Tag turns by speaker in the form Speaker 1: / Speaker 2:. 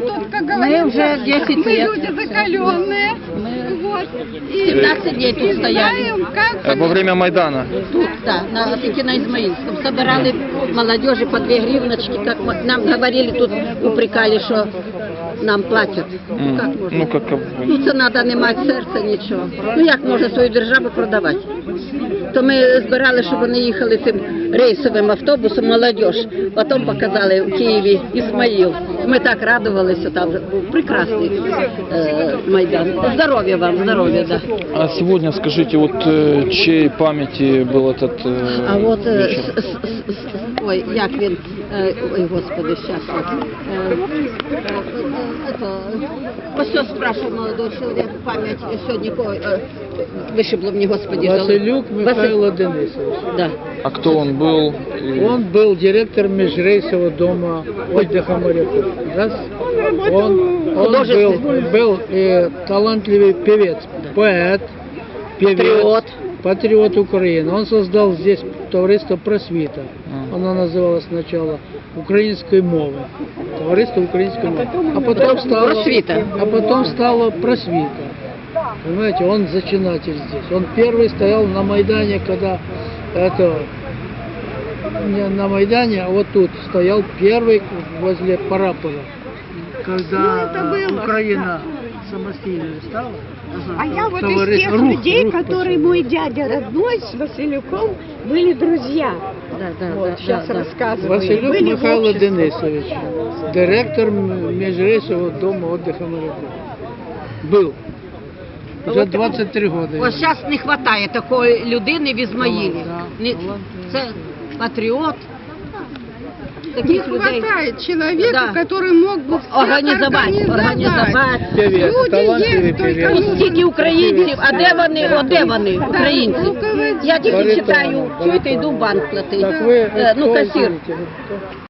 Speaker 1: тут, как
Speaker 2: Мы
Speaker 1: говорится,
Speaker 2: уже 10
Speaker 1: мы
Speaker 2: лет.
Speaker 1: люди закаленные. Вот. И
Speaker 2: 17 дней тут стояли.
Speaker 1: знаем, как
Speaker 3: Во время Майдана.
Speaker 2: Тут, да, на Измаильском. Собирали молодежи по 2 гривночки, как нам говорили, тут упрекали, что нам платять. Ну, как можна?
Speaker 3: Ну, как...
Speaker 2: Ну, це треба не мати серця, нічого. Ну, як можна свою державу продавати? То ми збирали, щоб вони їхали цим рейсовим автобусом, молодіж. Потім показали в Києві Ізмаїл. Ми так радувалися, там був прекрасний Майдан. Здоров'я вам, здоров'я, да.
Speaker 3: А сегодня, скажите, вот чьей памяти был этот
Speaker 2: А от,
Speaker 3: вечер?
Speaker 2: ой, як він, ой, господи, щас. Ось що спрашивав молодого чоловіка, пам'ять сьогодні, вишибло мені, господи.
Speaker 4: Василюк Михайло Денисович.
Speaker 2: Да.
Speaker 3: А кто он был?
Speaker 4: Он был директор межрейсового дома отдыха моряков. Раз. Он был талантливый певец, поэт,
Speaker 2: Патриот.
Speaker 4: патриот Украины. Он создал здесь товариство «Просвіта». Оно называлось сначала «Украинской мовы». Товариство украинской мовы. А потом стало «Просвіта». Понимаете, он зачинатель здесь. Он первый стоял на Майдане, когда это не на Майдане, а вот тут стоял первый возле Параполя, когда Украина самостоятельной стала.
Speaker 1: А я вот из
Speaker 4: Товарищ
Speaker 1: тех
Speaker 4: Рух,
Speaker 1: людей,
Speaker 4: Рух
Speaker 1: которые мой дядя родной с Василюком были друзья.
Speaker 2: Да, да,
Speaker 1: Вот,
Speaker 2: да,
Speaker 1: сейчас
Speaker 2: да, да.
Speaker 1: рассказываю.
Speaker 4: Василюк
Speaker 1: Были в
Speaker 4: Михайло
Speaker 1: обществе.
Speaker 4: Денисович, директор межрейсового дома отдыха моряков. Был. Уже 23 года.
Speaker 2: Ось зараз не вистачає такої людини в Ізмаїлі.
Speaker 4: Да.
Speaker 2: Не- Це патріот.
Speaker 1: Не
Speaker 2: Таких людей.
Speaker 1: хватает человека,
Speaker 2: Да.
Speaker 1: который мог бы всех
Speaker 2: Організувати.
Speaker 4: Певец,
Speaker 1: Люди
Speaker 4: талантливый
Speaker 1: есть, только
Speaker 4: певец.
Speaker 1: нужно-
Speaker 2: Стільки українців, а де вони, українці?
Speaker 1: руководитель.
Speaker 2: Я тільки
Speaker 4: Баритон,
Speaker 2: читаю, чуєте,
Speaker 4: баритон.
Speaker 2: йду в банк платити.
Speaker 4: Так вы
Speaker 2: Ну,
Speaker 4: кто
Speaker 2: касір.
Speaker 4: извините, вы кто?